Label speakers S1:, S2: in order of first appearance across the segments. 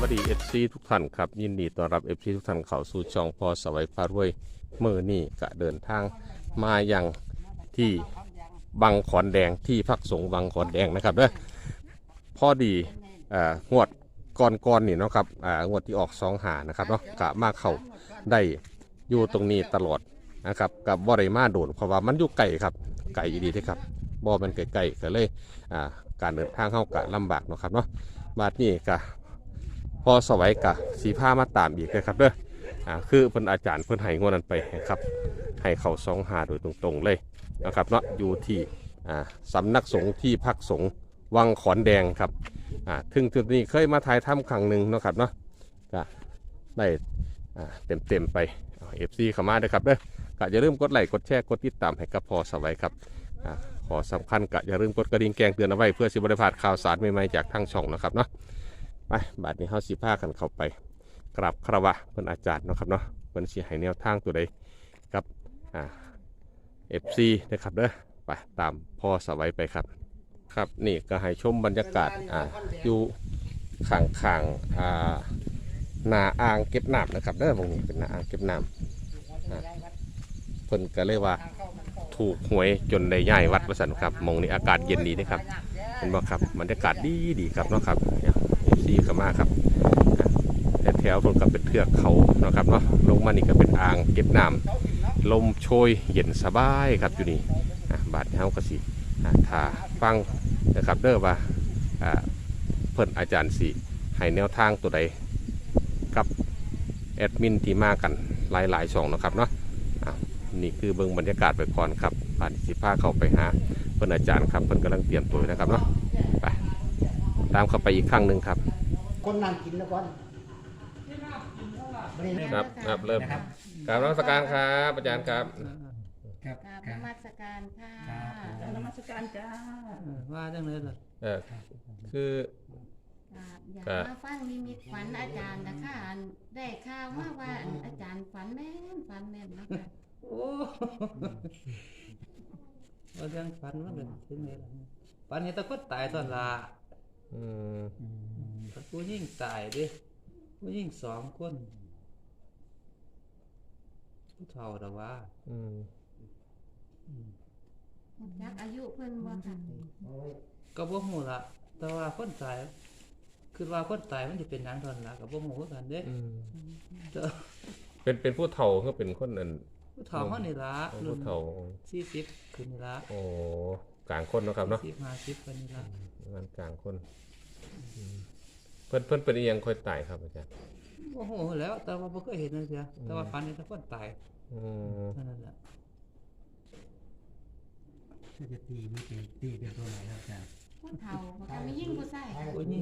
S1: วัสดีทุกท่านครับยินดีต้อนรับทุกท่านเข้าสู่ช่องพอสวัยพารวยเมื่อนี่ก็เดินทางมาอย่างที่บังขอนแดงที่พักสงฆ์บังขอนแดงนะครับเด้อพอดีงวดก่อนนี่เนาะครับงวดที่ออก2 หานะครับเนาะกะมาเข้าได้อยู่ตรงนี้ตลอดนะครับกับบ่ได้มาโดนเพราะว่ามันอยู่ไกลครับไกลดีที่ครับบ่มันไกลๆก็เลยการเดินทางเข้ากะลำบากเนาะครับเนาะบาดนี้กะพอสวัยกะสีผ้ามาตามอีกเลยครับเด้อคือเพิ่นอาจารย์เพิ่นให้งวดนั้นไปครับให้เขา2 หาโดยตรงๆเลยนะครับเนาะอยู่ที่สำนักสงฆ์ที่พักสงฆ์วังขอนแดงครับถึงจุดนี้เคยมาถ่ายทำครั้งหนึ่งเนาะครับเนาะก็ได้เต็มไปFC เข้ามาด้วยครับเด้อก็อย่าลืมกดไลค์กดแชร์กดติดตามให้กับพอสวัยครับขอสำคัญก็อย่าลืมกดกระดิ่งแจ้งเตือนเอาไว้เพื่อสิบริพลาดข่าวสารใหม่ๆจากทางช่องนะครับเนาะไปบาดนี้เฮาสิพากันเข้าไปกราบคารวะเพิ่นอาจารย์เนาะครับเนาะเพิ่นสิให้แนวทางตัวใดกับFC นะครับเด้อไปตามพ่อสวัยไปครับครับนี่ก็ให้ชมบรรยากาศอยู่ข้างๆนาอ่างเก็บน้ำนะครับเด้อตรงนี้เป็นนาอ่างเก็บน้ำเพิ่นก็เลยว่าถูกหวยจนได้ย้ายวัดประสันครับมองนี่อากาศเย็นดีนะครับเห็นบ่ครับบรรยากาศดีครับเนาะครับซีเข้ามาครับแถวๆก็เป็นเทือกเขาเนาะครับเนาะลงมานี่ก็เป็นอ่างเก็บน้ำลมโชยเย็นสบายครับอยู่นี่บาดเฮาก็สิถ้าฟังนะครับเด้อว่าเพิ่นอาจารย์สิให้แนวทางตัวใดกับแอดมินที่มากันหลายๆช่องนะครับเนาะนี่คือเบื้องบรรยากาศไปก่อนครับผ่านสิพาเข้าไปหาเพื่อนอาจารย์ครับเพื่อนกำลังเตรียมตัวนะครับเนาะไปตามเข้าไปอีกครั้งหนึ่งครับ
S2: คนนั่งกินแล้วก่อน
S1: ครับเริ่มกราบนมัสการครับอาจารย์ครับ
S3: กราบนมัสการค่ะกราบนมัสการจ้า
S4: ว่าจังเลยเหรอ
S1: คือ
S3: อยากมาฟังนิมิตฝันอาจารย์นะคะได้ข่าวว่าอาจารย์ฝันแม่นนะคะ
S4: โอ้ว่าจังฝันว่าเป็นถึงไงล่ะฝันเห็นตะกดตายตอนละผู้ยิ่งตายดิผู้ยิ่ง2 คนผู้เฒ่าแต่ว่า
S3: ยักอายุเพิ่นว่าค่ะ
S4: ก็บ่ฮู้ละแต่ว่าคนตายคือว่าคนตายมันจะเป็นหยังตอนละก็บ่ฮู้คือกันเด้
S1: เป็นผู้เฒ่าก็เป็นคนนั้น
S4: ผู้เฒ่าเฮานี่ล่ะ
S1: ผู้เฒ่า
S4: 40ขึ้นนี่ล่ะ
S1: โอ้กลางคนเนาะครับเนาะ
S4: 50ขึ้นนี่ล่ะ
S1: งานกลางคนเพิ่นเป็นอีหยังค่อยตายครับอาจารย์
S4: โอ้โหแล้วแต่ว่าบ่เคยเห็นเลยเสียแต่ว่าฝันเห็นแต่คนตายนั่นแหละ
S2: จะตีเป็นตัวไหนครับอาจารย์
S3: ผู้เฒ่าก็มียิ่งผู้ชาย
S4: ผู้ยิ่ง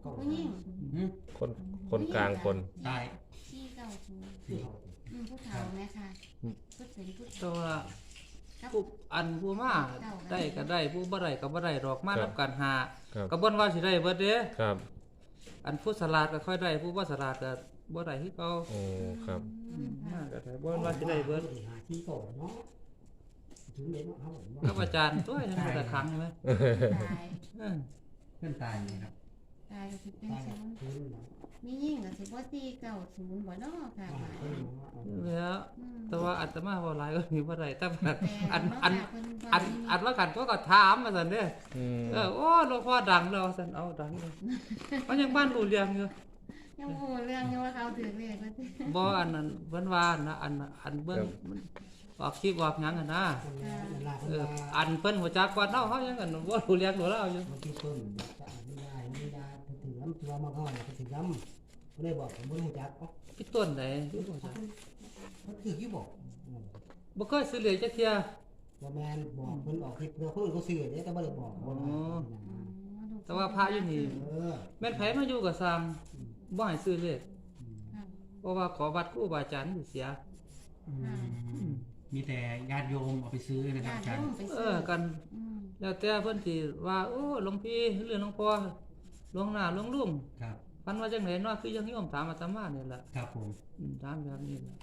S1: คนกลางคน
S2: ตาย
S3: ที่เก่าผู้เฒ่าแม่ค่ะ
S4: ตัวผู้มาได้ก็ได้ผู้บ่ได้ก็บ่ได้ดอกมารับการหากระบวนว่าสิได้เบิดเด้
S1: ครับ
S4: อันผู้สลาดก็ค่อยได้ผู้บ่สลาดก็บ่ได้คือเก่า
S1: โอ้ครับ
S4: ก็ได้บ่ว่าสิได้เบิด
S2: ที่โตเนาะถึงเด็กเฮา
S4: ครับอาจารย์ตัวยังบ่ได้ครั้งใช่มั้ย
S2: เพิ่นตายครับ
S3: ตายก็สิเป็นจังมียิ่งก็สิบ่ตี90บ่เนาะค่ะ
S4: แล้วแต่ว่าอาตมาบ่หลายก็มีบ่ได้แต่อันว่ากันก็ถามว่าซั่นเด้โอ้หลวงพ่อดังแล้วซั่นเอาดังเลยมันยังบ้านรู้เรื่องอยู่
S3: ยังรู้เรื่องอยู่ว่าเขาถือเลขว่าสิ
S4: บ่อันนั้นเพิ่นว่านะอันเบิ่งออกคลิปออกหยังนะอันเพิ่นหัวจักก่อนเฮายังกันบ่รู้เรื่องรู้แล้วอยู่
S2: ที่เพิ่นไม่ได้ถึงน้ำตัวมาก่อนถึงน้ำบ่ได้บอกผมบ่รู้จัก
S4: พี่ต้นไหนรู้จัก
S2: มันคืออยู่บอก
S4: บ่เคยซื้อเลยจักเที่ย
S2: บ่แม่นบอกเพิ่นออกคลิปเพื่อคนอื่นเขาซื้อเด้แต่บ่ได้บอก
S4: แต่ว่าพระอยู่นี่แม่นไผมาอยู่ก็สร้างบ่ให้ซื้อเลขเพราะว่าขอวัดครูบาอาจารย์เสีย
S2: มีแต่ญาติโยมเอาไปซื้อนะครับอาจารย์
S4: กันแล้วแต่เพิ่นสิว่าโอ้หลวงพี่หรือหลวงพ่อหลวงหน้าหลวงลุง
S2: ครับ
S4: พันว่าจังได๋เนาะคือยังโยมถามอาตมานี่แหละ
S2: ครับผม
S4: ถามแบบนี้ล่ะ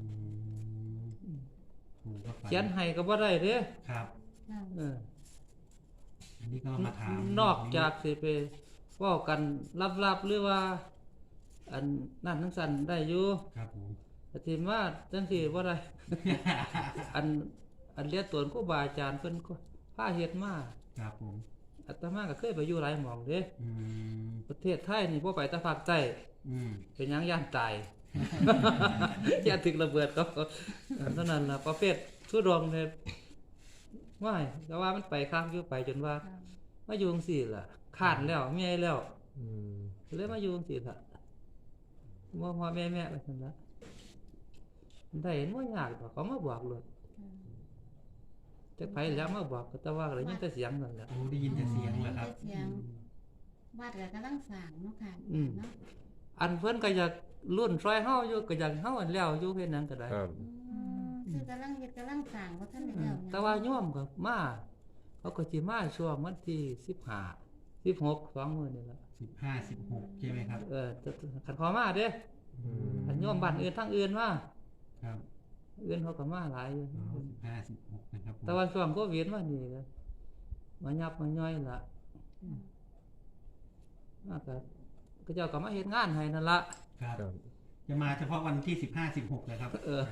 S4: เขียนให้ก็บ่ได้เด้
S2: ครับอันนี้ก็มาถาม
S4: นอกจากสิไปเว้ากันลับๆหรือว่าอันนั่นทั้งสันได้อยู่
S5: ครับผม
S4: แต่ทีว่าจังสิบ่ได้ อันเรียนตัวครูบาอาจารย์เพิ่นก็พาเฮ็ดมา
S5: ครับผม
S4: อาตมาก็เคยไปอยู่หลายหม่องเด้
S5: อืม
S4: ประเทศไทยนี่บ่ไปแต่ภาคใต้
S5: อืม
S4: เป็นหยังย่านตาย ย่านถึกระเบิดเขาอันเท่านั้นล่ะประเภททุดงเนี่ยว่ายแต่ว่ามันไปข้างอยู่ไปจนว่ามาอยู่จังซี่ล่ะขาดแล้วเมียแล้ว
S1: อืม
S4: เลยมาอยู่จังซี่ล่ะพ่อแม่ไปซั่นล่ะได้เห็นบ่ยากดอกเขามาบอกเลยจักไผแล้วมาบอกก็แต่ว่าก็ได้ยินแต่เสียงนั่นแหละ
S5: โอ้ได้ยินแต่เสียงเหรอครับ
S3: เสียงวัดก็กำลังสร้างเนาะค่ะ
S4: อืม
S3: เนาะ
S4: อันเพิ่นก็อยากรุ่นซอยเฮาอยู่ก็อยากเฮาอันแล้วอยู่เฮ็ดหยังก็ได้
S1: ครับ
S3: คือกำลังเฮ็ดกำลังสร้างบ่ทันได้แล้ว
S4: แต่ว่าโยมก็มาเขาก็สิมาช่วงวันที่15 16 2มื้อนี่ล่ะ
S5: 15 16ใช่ไหมครับ
S4: คันขอมาเด้
S1: อืม
S4: คันโยมบ้านอื่นทางอื่นมา
S5: ครับ
S4: อื่นเขาก็มาหลายอยู่
S5: อ๋อ15 16นะครับผม
S4: แต่ว่าช่วงโควิดมานี่ก็มายับมาย่อยล่ะมาก็เจ้าก็มาเฮ็ดงานให้นั่นล่ะ
S5: ครับ
S1: ครับ
S5: จะมาเฉพาะวันที่15 16เลยครับ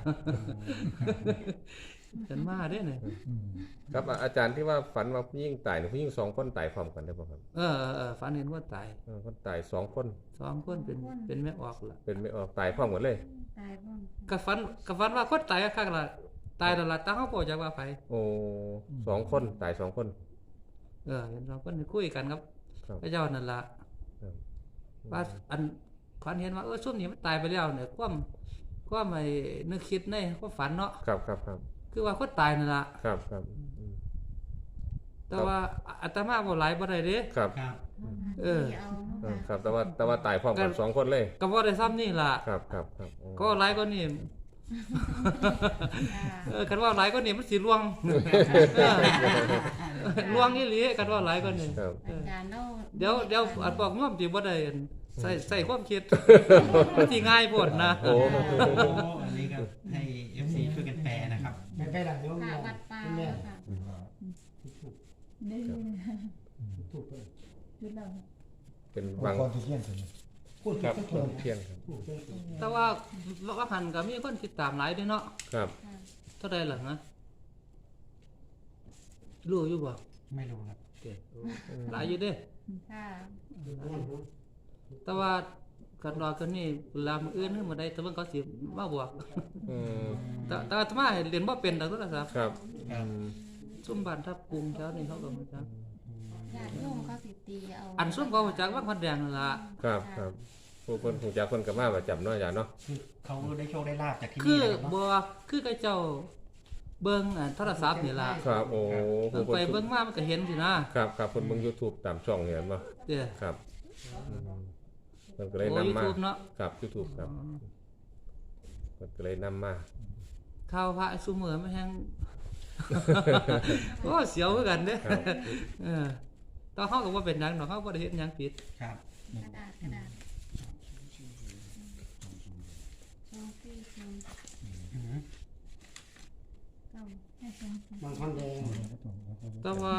S4: ฉันมาเด้เนี่ย
S1: ครับอาจารย์ที่ว่าฝันว่าผู้หญิงตายเนี่ยผู้หญิงสองคนตายพร้อมกันได้ป่ะครับ
S4: ฝันเห็นว่าตาย
S1: คนตายสองคน
S4: 2 คนเป็นแม่ออกล่ะ
S1: เป็นไม่ออกตายพร้อมกันเลย
S3: ตายบ่
S4: ก็ฝันว่าคนตายคักล่ะตายแล้วล่ะตั้งเฮาบ่จักว่าไผ
S1: โอ้สองคนตายสองคน
S4: เห็น2คนคุยกันครับ
S1: ครับ
S4: พระเจ้านั่นล่ะ
S1: ครับ
S4: ว่าอันฝันเห็นว่าซุ่มนี้มันตายไปแล้วเนี่ยความไอ้นึกคิดในความฝันเนาะ
S1: ครับครับครับ
S4: คือว่าคนตายนั่นล่ะ
S1: ครับครับอืม
S4: แต่ว่าอาตมาบ่หลายบ่ได้เด้
S1: ครับ
S5: ครับ
S3: เอาเนาะ
S1: ครับแต่ว่าตายพร้อมกันสองคนเลย
S4: ก็บ่ได้ซ้ำนี่ล่ะ
S1: ครับครับครับ
S4: ก็หลายกว่านี้คันว่าหลายกว่านี้มันสิลวงลวงอีหลีคันว่าหลายกว่านี้
S1: ครับ
S3: อาจารย์เรา
S4: เดี๋ยวอันบอกง่วมสิบ่ได้ใส่ความคิดมันสิง่ายโพดนะ
S1: โอ้
S5: โอ้อันนี้ก็ให้ FC ช่วยกันแปลนะครับ
S2: ไม่ไปหลังโยม
S3: ค่ะวัดป่า
S2: แม่
S3: ค่ะ
S2: ถูกเลย
S1: เป็น
S6: บา
S1: บาง ง
S6: คนที่เที่ยงคืน
S2: พูด
S1: ครับ
S2: ทุก
S1: ค
S2: คน
S1: นเที่ยงครับ
S2: พูดทุกคน
S4: แต่ว่าหันก็มีคนติดตามหลายเด้เนาะ
S1: ครับ
S4: เท่าใดล่ะนะรู้อยู่บ่
S5: ไม่รู้ครับ
S4: เด้หลายอยู่เด้
S3: ค่ะ
S4: แต่ว่ากันรอกันนี่เวลามื้ออื่นคือมื้อใดแต่เบิ่งเขาสิมาบอก
S1: อืม
S4: แต่อาตมาเรียนบ่เป็นดอกโทรศัพท์
S1: ครับ
S5: ครับ
S4: ซุ่มบ้านทับกรุงแถวนี้เขาก็รู้จัก
S3: ญาติโยมเขาสิตีเอา
S4: อันซุ่มเขารู้จักว่าคนแดงนั่นล่ะ
S1: ครับครับผู้คนคงจะคนกับมาประจำเนาะอาจารย์เนาะ
S5: คือเขาได้โชคได้ลาบจากที่
S4: คื
S5: นี่
S4: อ
S5: เลยเนาะ
S4: บ่คือกับเจ้าเบิ่งโทรศัพท์นี่ล่ะ
S1: ครับโอ้ผู้คน
S4: ไปเบิ่งมามันก็เห็นสินะครับ
S1: ครับคนเบิ่ง YouTube ตามช่องเนี่ยเนาะ
S4: เด้อ
S1: ครับอืมมันก็เลย
S4: โอ้
S1: นำมา
S4: YouTube เนาะ
S1: ครับ YouTube ครับมันก็เลยนำมา
S4: ข่าวพระซุมื้อมันแฮง โอ้เสียวคือกันเด้อ
S1: ครับ
S4: ตอนเฮาก็บ่เป็นหยังดอกเฮาบ่ได้เฮ็ดหยังผิด
S5: ครับ
S3: กระดาษสองสี่สอง
S5: อืม
S3: เก้า
S2: บางคนแดง
S4: แต่ว่า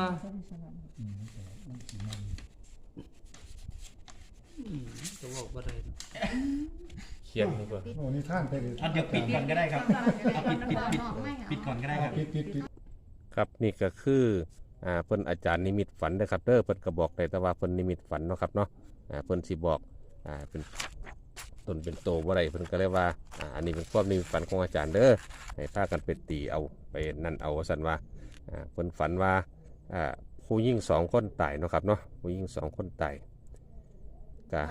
S4: ก็บอกบ่ได้เนาะ
S1: เขียนดีกว่า
S6: โอ้นี่ท่านไปเลย
S5: อ่ะเดี๋ยวปิดก่อนก็ได้ครับเอาปิดก่อนก็ได้ครับ
S6: ปิด
S1: ครับนี่ก็คือเพิ่นอาจารย์นิมิตฝันนะครับเด้อเพิ่นก็บอกได้แต่ว่าเพิ่นนิมิตฝันเนาะครับเนาะเพิ่นสิบอกเป็นตนเป็นโตบ่ได้เพิ่นก็เลยว่าอันนี้เป็นความนิมิตฝันของอาจารย์เด้อให้พากันไปตีเอาไปนั่นเอาสั่นว่าเพิ่นฝันว่าผู้หญิงสองคนตายเนาะครับเนาะผู้หญิงสองคนตายก็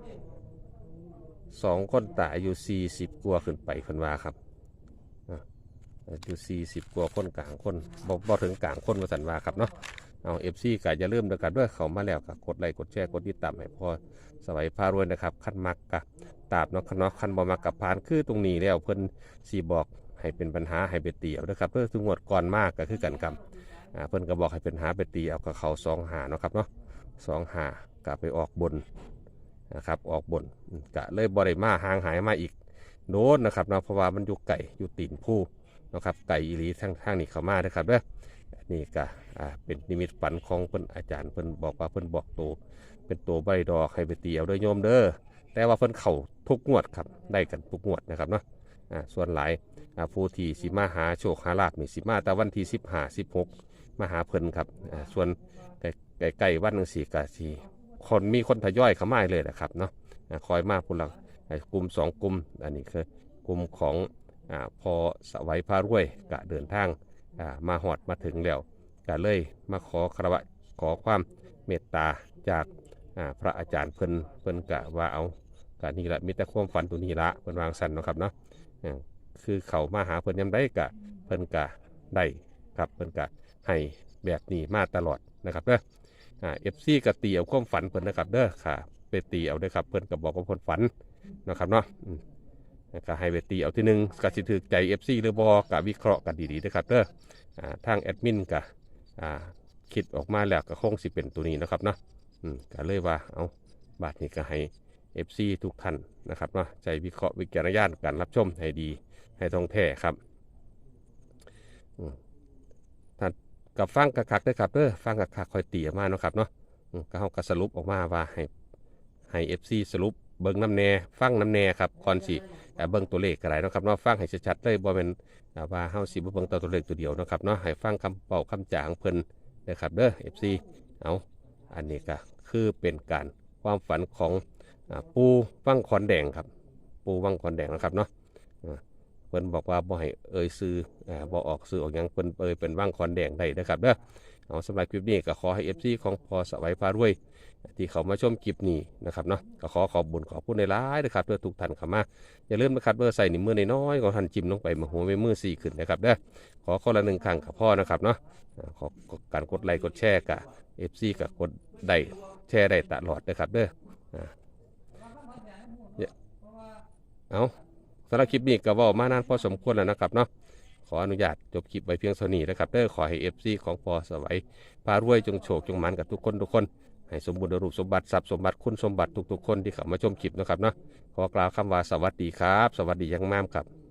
S1: สองคนตายอายุ40กว่าขึ้นไปเพิ่นว่าครับอายุ40กว่าคนกลางคนบ่ถึงกลางคนว่าซั่นว่าครับเนาะเอา FC ก็อย่าลืมด้วยกันด้วยเข้ามาแล้วก็กดไลค์กดแชร์กดติดตามให้พอสวัยพารวยนะครับคันมักก็ตามเนาะคันบ่มักก็ผ่านคือตรงนี้แล้วเพิ่นสิบอกให้เป็นปัญหาให้ไปตีเอาเด้อครับเด้อทุกงวดก่อนมากก็คือกันกำเพิ่นก็บอกให้เป็นหาไปตีเอากับเขา2-5เนาะครับเนาะ2-5ก็ไปออกบนนะครับออกบนก็เลยบ่ได้มาห่างหายมาอีกโดนนะครับเนาะเพราะว่ามันอยู่ไกลอยู่ตีนผู้นะครับไก่อีหลีทางนี้เข้ามานะครับเด้อนี่ก็เป็นนิมิตฝันของเพิ่นอาจารย์เพิ่นบอกว่าเพิ่นบอกโตเป็นโตใบดอกให้ไปตีเอาเด้อโยมเด้อแต่ว่าเพิ่นเข้าทุกงวดครับได้กันทุกงวดนะครับเนาะส่วนหลายผู้ที่สิมาหาโชคหาลาภนี่สิมาแต่วันที่15 16มาหาเพิ่นครับส่วนใกล้ๆวันนึง4ก็สิคนมีคนทยอยเข้ามาเลยนะครับเนาะคอยมาพุ่นละกลุ่ม2กลุ่มอันนี้คือกลุ่มของพอสวัยพารวยก็เดินทางมาหอดมาถึงแล้วก็เลยมาขอคารวะขอความเมตตาจากพระอาจารย์เพิ่นกะว่าเอากะนี่ละมีแต่ความฝันตัวนี้ละเพิ่นวางสันเนาะครับเนาะคือเขามาหาเพิ่นยามใดกะเพิ่นกะได้ครับเพิ่นกะให้แบบนี้มาตลอดนะครับเด้อFC กะตีเอาความฝันเพิ่นนะครับเด้อค่ะไปตีเอาเด้อครับเพิ่นก็บอกว่าเพิ่นฝันนะครับเนาะก็ให้ไปตีเอาที่หนึ่งก็สิถือใจ FC หรือบ่ก็วิเคราะห์กันดีๆนะครับเด้อทางแอดมินก็คิดออกมาแล้วก็คงสิเป็นตัวนี้นะครับเนาะก็เลยว่าเอาบาทนี้ก็ให้ FC ทุกท่านนะครับเนาะใจวิเคราะห์วิจารณญาณการรับชมให้ดีให้ตรงแท้ครับท่านกับฟังคักๆด้วยครับฟังคักๆคอยตีออกมาเนาะครับเนาะก็เขาก็สรุปออกมาว่าให้ FC สรุปเบิ่งน้ำแน่ฟังน้ำแน่ครับก่อนสิเบิ่งตัวเลขอะไรเนาะครับเนาะฟังให้ชัดๆเลยบ่เป็นว่าเฮาสิบ่เบิ่งตัวเลขตัวเดียวเนาะครับเนาะให้ฟังคำเป่าคำจาของเพิ่นนะครับเด้อ FC เอาอันนี้ก็คือเป็นการความฝันของปูวังขอนแดงครับปูวังขอนแดงนะครับเนาะเพิ่นบอกว่าบ่ให้เอ่ยซื้อบ่ออกซื้อออกหยังเพิ่นเป็นวังขอนแดงได้นะครับเด้อเอาสำหรับคลิปนี้ก็ขอให้ FC ของพอสวัยพารวยที่เขามาชมคลิปนี้นะครับเนาะก็ขอบบุญขอบคุณในร้ายนะครับเพื่อทุกท่านเข้ามาอย่าลืมนะครับเบอร์ใส่นิ้วมือน้อยๆของท่านจิ้มลงไปมาหัวมือ4ขึ้นนะครับเด้อขอคนละ1ครั้งกับพ่อนะครับเนาะขอการกดไลค์กดแชร์กับ FC กับกดได้แชร์ได้ตลอดนะครับเด้อเอาสำหรับคลิปนี้ก็เว้ามานานพอสมควรแล้วนะครับเนาะขออนุญาตจบคลิปไว้เพียงเท่านี้นะครับเด้อขอให้ FC ของพอสวัยพารวยจงโชคจงหมันกับทุกคนให้สมบูรณ์รูปสมบัติทรัพย์สมบัติคุณสมบัติทุกๆคนที่เข้ามาชมคลิปนะครับเนาะขอกล่าวคำว่าสวัสดีครับสวัสดียังมากครับ